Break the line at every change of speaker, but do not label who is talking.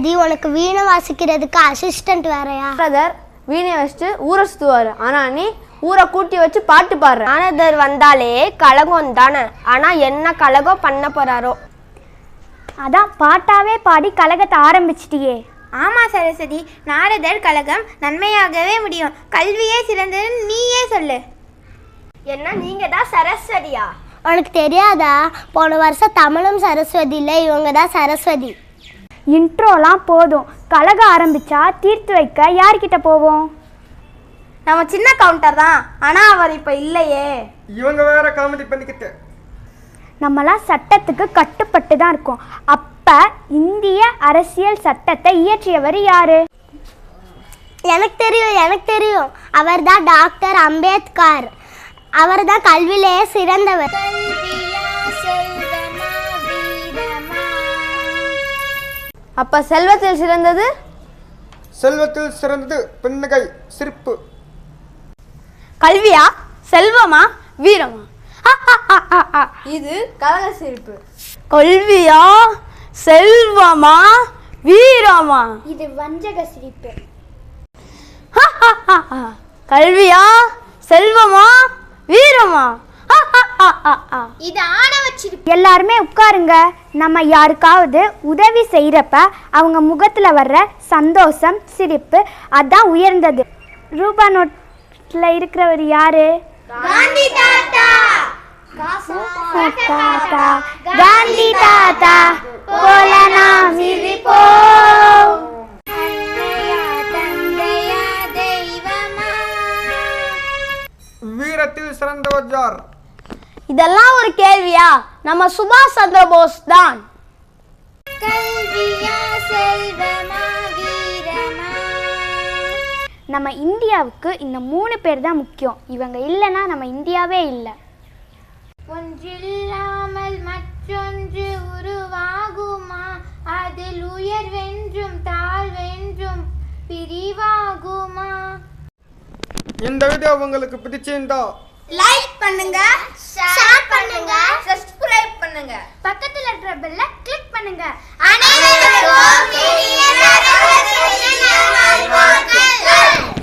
சரஸ்வதி உனக்கு வீணை வாசிக்கிறதுக்கு அசிஸ்டன்ட் வேறையா?
பிரதர் வீணை வச்சுட்டு ஊரை சுற்றுவார், ஆனால் நீ ஊரை கூட்டி வச்சு பாட்டு பாடுற.
நாரதர் வந்தாலே கலகம் தானே, ஆனால் என்ன கலகம் பண்ண போகிறாரோ?
அதான் பாட்டாவே பாடி கலகத்தை ஆரம்பிச்சிட்டியே.
ஆமாம் சரஸ்வதி, நாரதர் கலகம் நன்மையாகவே முடியும். கல்வியே சிறந்ததுன்னு நீயே சொல்லு.
என்ன நீங்கள் தான் சரஸ்வதியா?
உனக்கு தெரியாதா? போன வருஷம் தமிழும் சரஸ்வதி இல்லை, இவங்க தான் சரஸ்வதி.
இன்ட்ரோலாம் போதும், கலகம் ஆரம்பிச்சா தீர்த்து வைக்க யார்கிட்ட போவோம்?
நம்ம சின்ன கவுண்டர் தான், ஆனால் அவர் இப்போ இல்லையே.
இவங்க வேற காமெடி பண்ணிக்கிட்டு.
நம்மளாம் சட்டத்துக்கு கட்டுப்பட்டு தான் இருக்கோம். அப்போ இந்திய அரசியல் சட்டத்தை இயற்றியவர் யாரு?
எனக்கு தெரியும். அவர் தான் டாக்டர் அம்பேத்கர். அவர் தான் கல்வியிலேயே சிறந்தவர்.
அப்போ செல்வத்தில் சிறந்தது?
செல்வத்தில் சிறந்தது பெண்ணுகை சிரிப்பு.
கல்வியா, செல்வமா, வீரமா? இது கலக சிரிப்பு. கல்வியா, செல்வமா, வீரமா?
இது வஞ்சக சிரிப்பு.
கல்வியா, செல்வமா, வீரமா?
இது ஆணவ சிரிப்பு.
எல்லாருமே உட்காருங்க. நம்ம யாருக்காவது உதவி செய்கிறப்ப அவங்க முகத்தில் வர்ற சந்தோஷம், சிரிப்பு, அதான் உயர்ந்தது. ரூபா நோட்டில் இருக்கிறவர் யாரு?
காந்தி தாத்தா.
காந்தி தாத்தா போல நாம் சிரிப்போம்.
வீரத்தில் சிறந்தவர் யார்?
இதெல்லாம் ஒரு கேள்வியா? நம்ம சுபாஷ் சந்திர போஸ் தான்.
நம்ம இந்தியாவுக்கு இந்த 3 பேர் தான் முக்கியம். இவங்க இல்லைன்னா நம்ம இந்தியாவே இல்லை.
ஒன்றில்லாமல் மற்றொன்று உருவாகுமா? அதில் உயர்வென்றும் தாழ்வென்றும் பிரிவாகுமா?
இந்த வீடியோ உங்களுக்கு பிடிச்சிருந்தா
லைக் பண்ணுங்க, ஷேர் பண்ணுங்க, சப்ஸ்கிரைப் பண்ணுங்க, பக்கத்துல இருக்கிற பெல்ல கிளிக் பண்ணுங்க. அனைவருக்கும் இனிய நல்வாழ்த்துக்கள்.